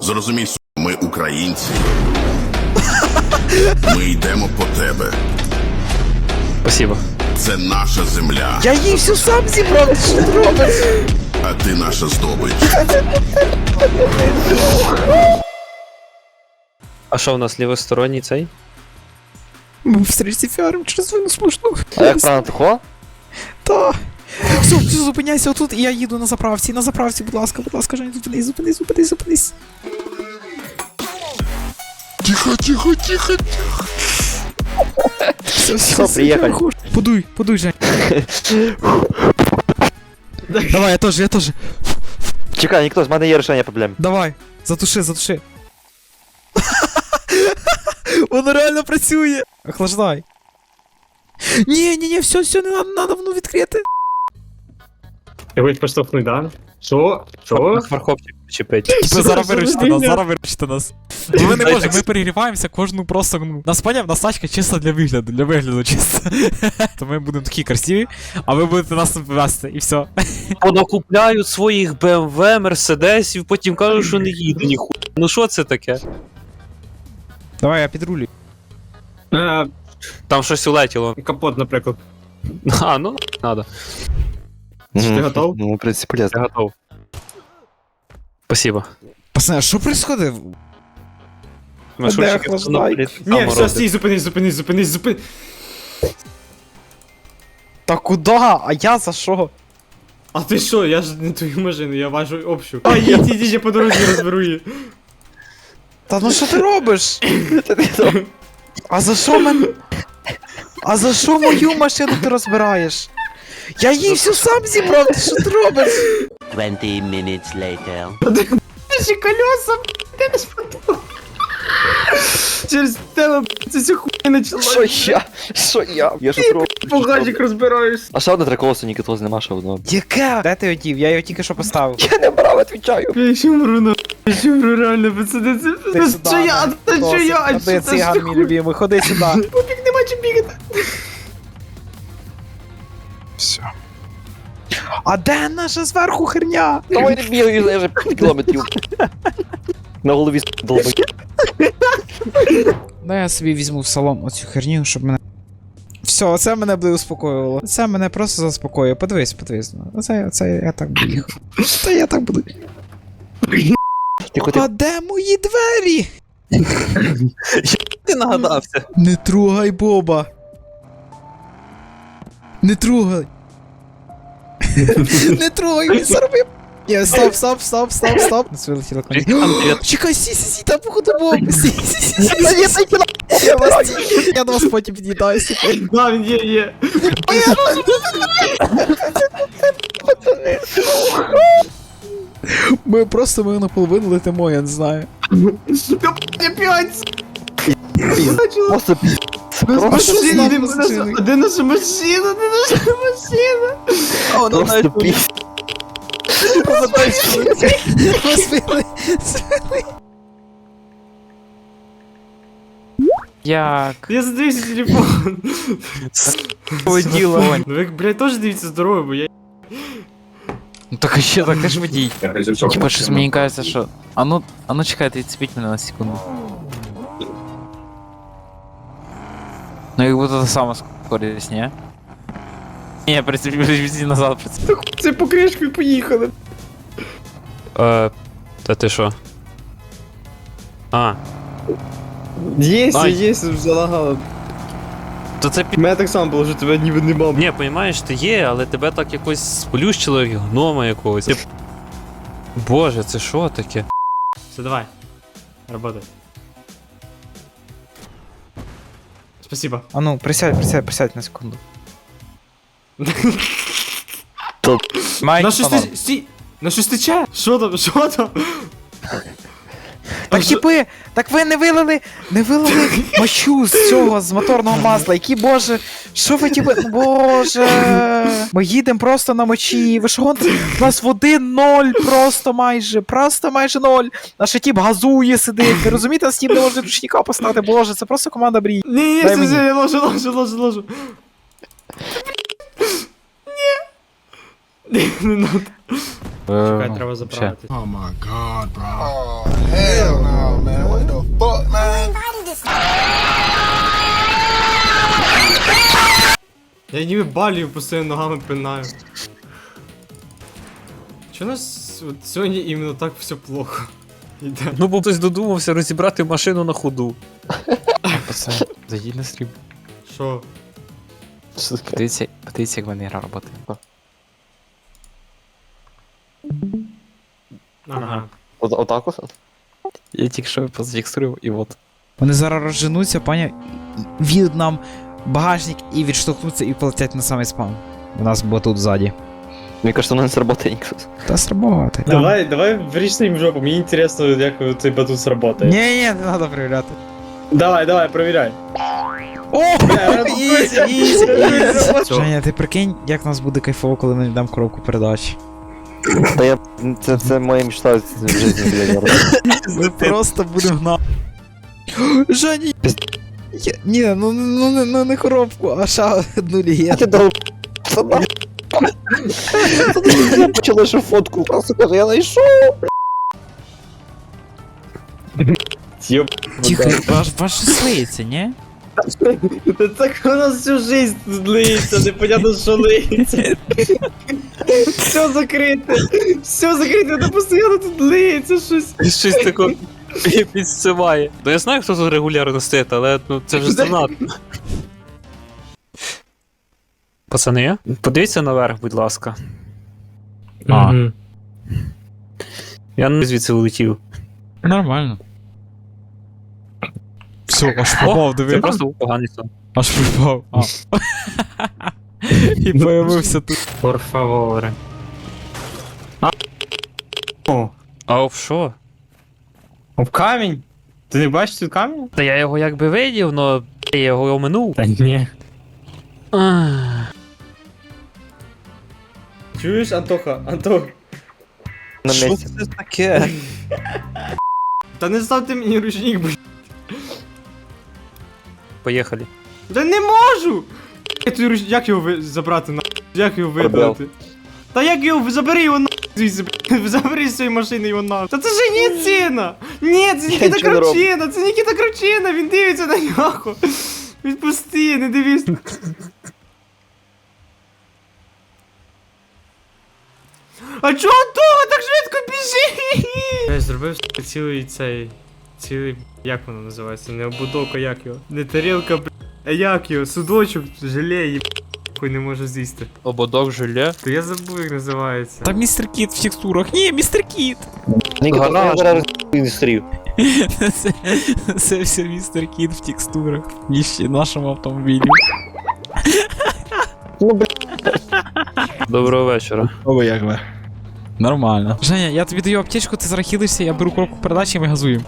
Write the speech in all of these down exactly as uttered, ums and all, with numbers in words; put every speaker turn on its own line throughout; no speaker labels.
Зрозумій, су, ми українці. Ми йдемо по тебе.
Спасибо.
Це наша земля.
Я її всю сам зібрав, ти що ти робиш?
А ти наша здобич.
А що у нас лівосторонній цей?
Ми в стрічці фіарим через вину смішну.
А як правильно тако?
Та. Все, все, зупиняйся отут, і я їду на заправці. На заправці, будь ласка, будь ласка, Жень, зупинись, зупинись, зупинись, зупинись.
Тихо, тихо, тихо.
Все,
Все, приїхали.
Подуй, подуй, Жень. Давай, я теж, я теж.
Чекай, ніхто, з мене є рішення проблем.
Давай, затуши, затуши. Воно реально працює. Охлаждай. Ні, ні, ні, все, все, не надо, надо воно відкрити.
Я хочу поштовхнути, да? Що? Що?
Фархопчик почепить.
Типа зараз
Що
виручите
за
нас,
фігня?
зараз виручите нас. Ми не можемо, ми перегріваємося кожну просто, ну, нас поняв, нас тачка чисто для вигляду, для вигляду чисто. То ми будемо такі красиві, а ви будете нас вести, і все.
Понакупляють своїх бе ем ве, мерседесів, потім кажуть, що не їду ніхуя. Ну що це таке?
Давай, я підрулю.
Е,
Там щось улетіло.
Капот, наприклад.
А, ну, надо.
Ти готов?
Ну, в принципі,
Я
полезно.
готов. Спасибо.
Пацани, що происходит?
Машинчики
охлаждай?
Ні, все, стій, зупинись, зупинись, зупинись, зупинись.
Та куда? А я за що?
А ти що? Я ж не твою машину, я важу общу. А, їдь, їдь, я по дорозі розберу її.
Та ну що ти робиш? А за що мен... А за що мою машину ти розбираєш? Я її всю сам зібрав, ти що ти робиш?
Twenty minutes later.
Наші колеса, ти не сподобав. Через тебе, це все хуйня
Що
почалась.
я? Що я? Я що трохи.
Багажник розбираєш.
А ще одне три колеса, ні китоз нема, ще одного.
Яке? Де ти одів? Я його тільки що поставив.
Я не брав, відвічаю.
Я ще мру, на. Я ще мру, реально, пацани, це...
Ти
Це
сюди,
що я?
на.
Це що
Досить.
я?
Ходи,
Це
циган,
що
мій
хуй?
любимий, ходи сюди.
Побіг, нема чим бігати.
Все. А де наша зверху херня?
Давай не бігаю, я вже п'ять кілометрів. На голові долбай.
Ну я собі візьму в салон оцю херню, щоб мене... Все, оце мене буде успокоювало. Це мене просто заспокоює. Подивись, подивись. Оце, оце я так буду їхати. Та я так буду.
Тихо,
А
тихо.
де мої двері?
Ти нагадався.
Не трогай Боба. Не трогай. Не трогай, він заробив. Ні, стоп, стоп, стоп, стоп, стоп. Це вилетіло коні. Чекай, сі, сі, сі, там походу Боб. Сі, сі, сі, сі, сі, сі, сі. Я вас, я до вас потім під'їдаю, секунду.
Да, він є, є.
Ми просто ми наполовину летимо, я не знаю.
Сука, я п'ять.
Просто пі...
А що з нами
Де
машиною?
наша- Де наша машина? Де наша машина?
Просто пі...
Ми збили. Як?
Я задивився телефон.
Воділа.
Ну ви, блядь, теж дивіться здоров'я, бо я...
Ну так і ще, так ти ж водій. Типа щось мені кажеться, що... А ну, а ну чекайте, відцепіть мене на секунду. Ну як будто та сама скорість, ні? Ні, прицепіть, відійди назад, прицепіть.
Це покришку і поїхали.
Е, та ти що? А,
Є,
Ай.
є, залагало.
то це під...
У мене так само було, що тебе ніби не мав.
Ні, понімаєш, ти є, але тебе так якось сплющило, як гнома якогось. Ти... Боже, це що таке?
Все, давай. Работай. Спасибо.
А ну, присядь, присядь, присядь на секунду.
Май,
На щось ти... Стій! На щось тече? Що там? Що там?
Так типи, так ви не вилили, не вилили мочу з цього, з моторного масла, які, боже, що ви типи, боже, ми їдемо просто на мочі, ви що гоните? У нас води ноль, просто майже, просто майже ноль, наш тип газує, сидить, ви розумієте, нас тип не може ручника поставити, боже, це просто команда брій.
Ні, ні,
Дай
все,
мені.
все, я ложу, ложу, ложу, ложу. Ні. Не надо. Чекай, треба заправити.
О май гад, бро.
Я ніби балію постійно ногами пинаю. Чого у нас от сьогодні іменно так все плохо? Іде.
Ну, бо хтось додумався розібрати машину на ходу.
Пацан, зайдіть на стрім.
Що?
Що таке?
Подивіться, подивіться, як в мене гра працює.
Ага.
От, отак ось?
Я тільки що позфіксував і от.
Вони зараз розженуться, паня, в'їдуть нам багажник і відштовхнуться і полетять на самий спам. У нас було тут ззаді.
Мені кажется, воно не сработає ніколи.
Та сработає.
Давай, давай вріжте їм в жопу, мені інтересно, як цей батут сработає.
Ні, ні, не треба перевіряти.
Давай, давай, провіряй.
О, ізі, ізі, ізі.
Чо?
Женя, ти прикинь, як нас буде кайфово, коли ми йдемо коробку передач.
Та я... Це, це моя мечта в житті, блядь.
Ми просто будемо гнати. Женя! Я- Ні, ну, ну, ну, ну не коробку, а ще одну
Я
лігету.
ти дав... Це нахуй. Я почала ще фотку, просто каже, я знайшов.
Йоп.
Тихо, ваш, ваш слиється, ні?
Та так у нас всю жизнь тут лиється, непонятно, що лиється. Все закрите, все закрите, та постійно тут лиється щось.
Щось таке підсиває. Ну я знаю, хто тут регулярно стоїть, але ну, це вже занадто. Пацани, подивіться наверх, будь ласка.
А.
Мгм.
Я не звідси улетів.
Нормально.
Все, аж
О,
попав,
це
диви.
просто був поганий сон.
Аж попав. А. І появився тут.
Por favore. А. О,
А об що?
об камінь? Ти не бачиш тут камінь?
Та я його якби видів, но я його оминув.
Та ні.
Ах.
Чуєш, Антоха, Антох?
На
Що
місці.
це таке?
Та не ставте мені ручник, блядь.
Поїхали.
Та не можу! Я той руч... Як його ви... забрати на? Як його видалити? Та як його забери його на звідси, блядь. Забери з цієї машини його на. Та це ж не ціна! Ні, це Нікіта
нічого не роблю.
Кручина, це Нікіта Кручина, він дивиться на нього. Відпусти, не дивись. А чого того так швидко біжи? Я зробив цілий цей. Цілий. Як воно називається? Не обудовка, як його? Не тарілка, б. А як його? Судочок, желе, їб. Хуй не може з'їсти.
Ободок желе.
То я забув, як називається.
Там містер Кіт в текстурах. Ні, містер Кіт!
Ніка, я
Гараж.
зараз індустрію.
Це, це все містер Кіт в текстурах. І ще нашому автомобілі.
Ну, блядь.
Доброго вечора.
О, як ви? Нормально. Женя, я тобі даю аптечку, ти зараз хилишся, я беру коробку передачі і ми газуємо.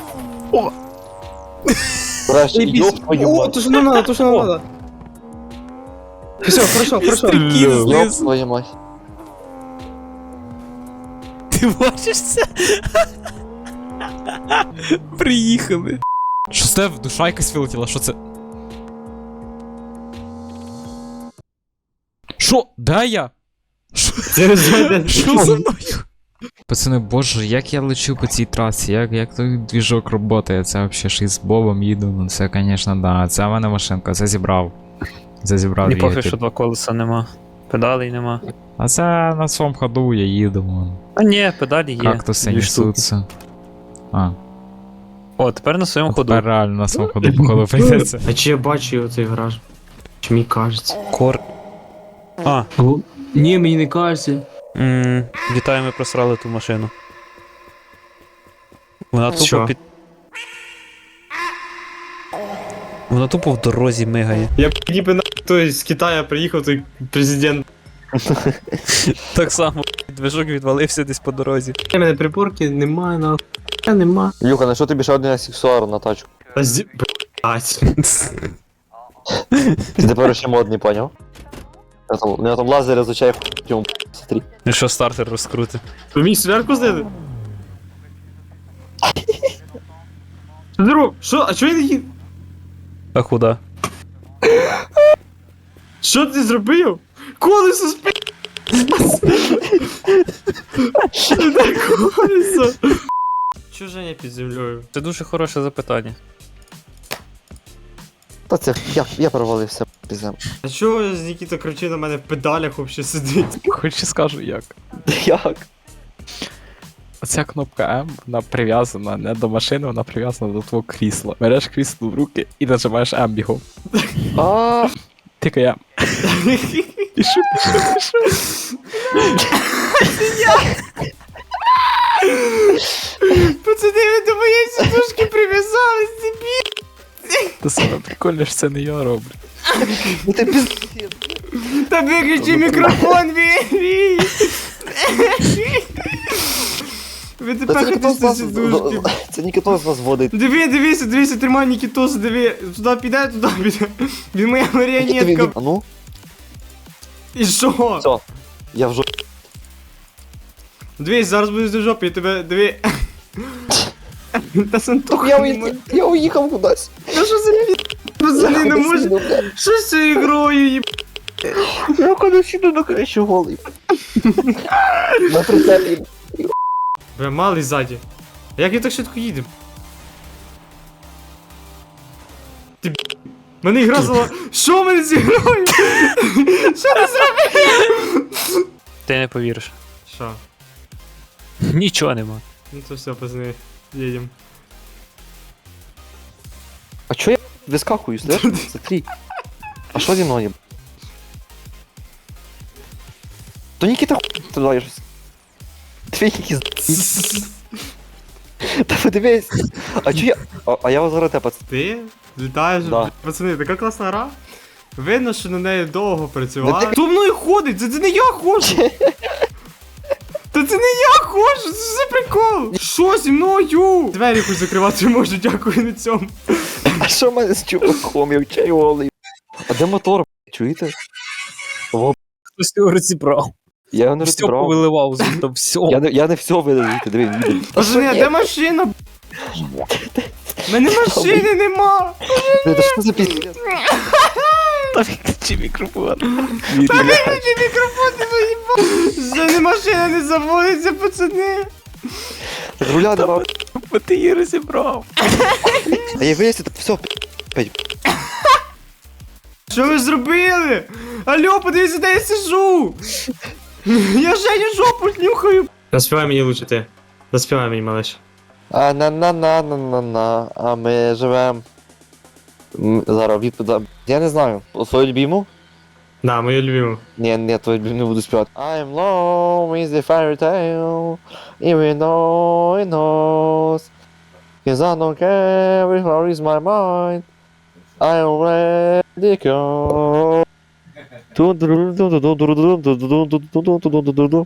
Краще, ёб твою
О,
мать.
то, що нам надо, то, що нам надо. Все, хорошо, хорошо.
Містер Кіт
Ёб
знизу.
твою мать.
Ти бачиш це? Приїхали. Що це? Душа якась вилетіла, що це? Що? Де я? Що? Що за мною? Пацани, боже, як я лечу по цій трасі, як, як той двіжок роботає, це взагалі ж із Бобом їду, ну це, звісно, да, це в мене машинка, це зібрав. Це зібрав
Не пофіг,
двигатель.
що два колеса нема. Педалей нема.
А це на своєму ходу я їду, вон.
А ні, педалі є.
Кактуси
Дві штуки.
несуться. А,
О, тепер на своєму ходу.
тепер реально на своєму ходу, походу, прийдеться.
А чи я бачу його цей гараж? Чи мені кажеться?
Кор. А,
Ні, мені не кажеться.
м, вітаю, ми просрали ту машину. Вона тупо
Що?
під. Вона тупо в дорозі мигає.
Я б ніби на той з Китаю приїхав той президент.
Так само движок відвалився десь по дорозі.
У мене приборки немає, на нема.
Юха, на що тобі ще один аксесуар на тачку?
Та зі... Блять.
Ти тепер ще модний, поняв? Я там, у нього там лазер изучає хуй, смотри.
І що стартер розкрути.
Ви мені солярку здали? Здоров, що? А чого я не їду?
А куди?
Що ти зробив? Колесо спи... Де колесо? Що Женя під землею?
Це дуже хороше запитання.
Та це, я, я провалився. Пиздем.
А чого з Нікіта кричить на мене в педалях вообще сидить?
Хоч скажу як.
Як?
Оця кнопка М, вона прив'язана не до машини, вона прив'язана до твого крісла. Береш крісло в руки і нажимаєш М бігом.
А,
Тільки я. Пішу, пішу, пішу.
Пацани, ви до моєї сідушки прив'язались, дебіл!
Та саме прикольно, що це не я роблю.
ну ти пиздец.
Та виключи мікрофон, Вірій! Ви
Та
тепер
це ніхто
хотите
з нас...
сідушки.
Це ніхто з нас водить.
Диви, дивися, дивися, тримай Нікітос, диви. Туди піде, туди піде. Він моя
Нікіта, він-
маріонетка.
А ну,
І що?
все. Я вже...
Дивись, зараз будеш до жопи, я тебе, диви. Та Сантуха
Я,
не
уї...
може.
я уїхав кудись.
Та що за пі... Пацани, не може. Що з цією грою, їб...
Я коли сіду на крищу голий. На прицепі.
Бля, малий ззаді. А як я так швидко їду? Ти б... Мене ігра зала... Що в мене зі грою? Що ти зробив?
Ти не повіриш.
Що?
Нічого нема.
Ну то все, пацани, їдем.
А чо я вискакую, слышь? Смотри. А що зі мною? То Нікіта хуй туди я щось. Твій якийсь... Та подивись. А чо я... А, а я вас зараз те, пацан.
Ти літаєш?
Да.
Пацани, така класна гра. Видно, що на неї довго працювали.
Ну ти-
Хто мною ходить? Це, це не я ходжу! Та це не я ходжу, це ж за прикол! Що зі мною? Двері хоч закривати можу, дякую на цьому.
А що в мене з чуваком? Я вчаю голий. А де мотор? Чуєте? Во,
Хтось його розібрав.
я його не
Все
розібрав.
повиливав звідти, все.
Я не, я не все видав, диви, їду.
Пацани, а де машина? У мене машини нема!
Та що за піздець?
Та відключи мікрофон.
Виключи мікрофон, ти заїбав! Вже не машина не заводиться, пацани!
З руля нема.
Бо ти її розібрав.
А я виясню, так все,
Що ви зробили? Алло, подивіться, де я сижу! Я Женю жопу нюхаю! Заспівай мені лучше ти. Заспівай мені, малиш.
А на на на на на на а ми живем. М, Зараз відповідь. Я не знаю. Свою любиму?
Да, мою любиму.
Ні, ні, твою любиму не буду співати. I'm low is the fairy tale, even though it knows. Cause I don't care where is my mind. I already go.